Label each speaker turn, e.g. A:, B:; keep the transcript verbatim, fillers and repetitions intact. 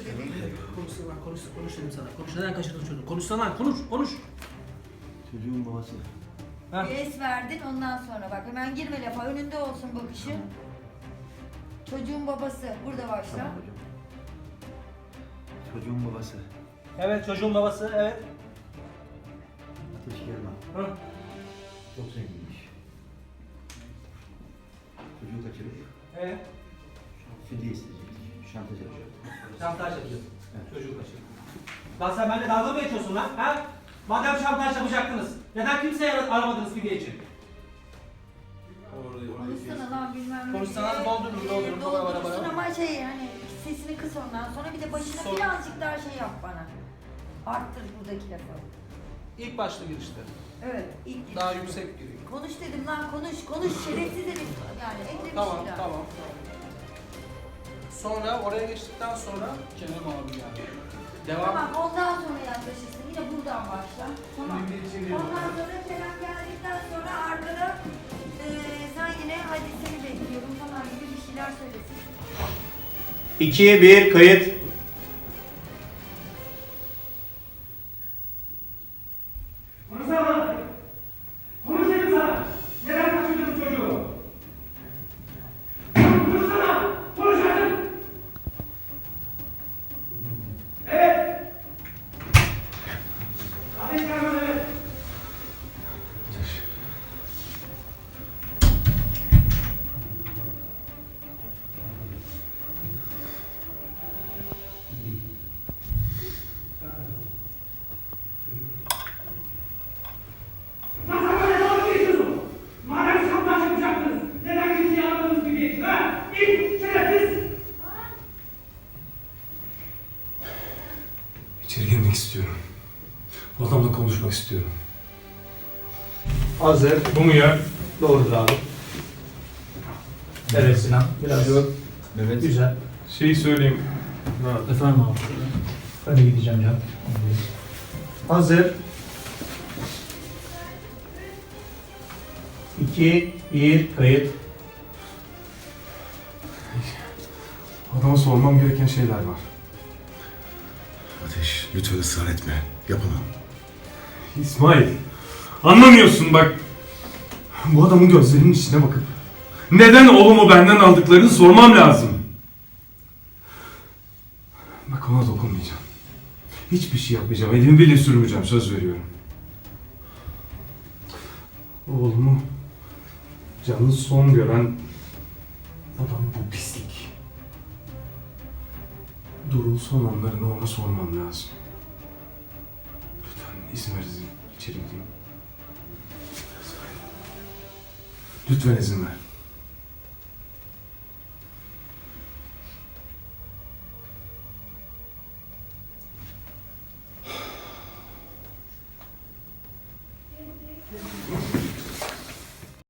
A: dedik.
B: Konuşsana, konuş, konuş dedim sana. Konuş, neden kaçırdın çocuğu? Konuşsana, konuş, konuş.
C: Çocuğun babası.
B: Ha?
A: Bir es verdin ondan sonra bak hemen girme lafa önünde olsun bakışın. Çocuğun babası burada başla.
C: Tamam hocam. Çocuğun babası.
B: Evet, çocuğun babası, evet.
C: Ateş German.
B: Hı.
C: Çok zenginmiş. Çocuğu kaçırıp
B: Evet.
C: fidye isteyecek. Şantaj yapacak.
B: Şantaj yapıyor.
C: Evet.
B: Çocuğu kaçırıyor. Lan sen benimle dalga mı geçiyorsun lan? Ha? Madem şantaj yapacaktınız, neden kimseyi ar- aramadınız fidye için?
A: Konuşsana lan bilmem ne.
B: Konuşsana, doldurun, doldurun, bana, bana,
A: Doldurursun
B: bana.
A: ama şey hani sesini kıs ondan sonra bir de başına
B: Sor.
A: birazcık daha şey yap bana. Arttır buradaki lafı.
B: İlk başta girişte.
A: Evet ilk
B: Daha yüksek giriyor.
A: Konuş dedim lan konuş konuş şerefsiz herif yani ekle bir
B: Tamam,
A: şeyler.
B: tamam. Sonra oraya geçtikten sonra Kerem abi yani. Devam.
A: Tamam ondan sonra yaklaşırsın yine buradan başla. Tamam.
B: Bir, bir, bir, bir.
A: Ondan sonra Kerem geldikten sonra arkada eee sen yine hadi seni bekliyorum falan gibi bir şeyler söylesin.
D: iki bir kayıt.
E: Konuşsana! Konuş dedim sana! Neden kaçırdınız çocuğu? Konuşsana! Konuş artık! Evet! Ateş German evet! Nasıl böyle dalga geçiyorsun? Madem şantaj yapacaktınız, neden kimseyi aramadınız gibi? Ha? İlk şerefsiz!
F: İçeri girmek istiyorum. Bu adamla konuşmak istiyorum.
D: Hazır.
F: Bu mu ya?
D: Doğrudur abi. Evet Sinan. Biraz
C: Evet.
D: güzel.
F: Şeyi söyleyeyim.
D: Efendim abi. Ben de gideceğim ya. Hazır. iki bir kayıt.
F: Adama sormam gereken şeyler var.
G: Ateş, lütfen ısrar etme. Yapamam.
F: İsmail, anlamıyorsun bak. Bu adamın gözlerinin içine bakıp neden oğlumu benden aldıklarını sormam lazım. Bak ona dokunmayacağım. Hiçbir şey yapmayacağım. Elimi bile sürmeyeceğim. Söz veriyorum. Oğlumu canlı son gören adam bu pislik. Durul son anlarını ona sormam lazım. Lütfen izin ver izin. İçeri gideyim. Lütfen izin ver.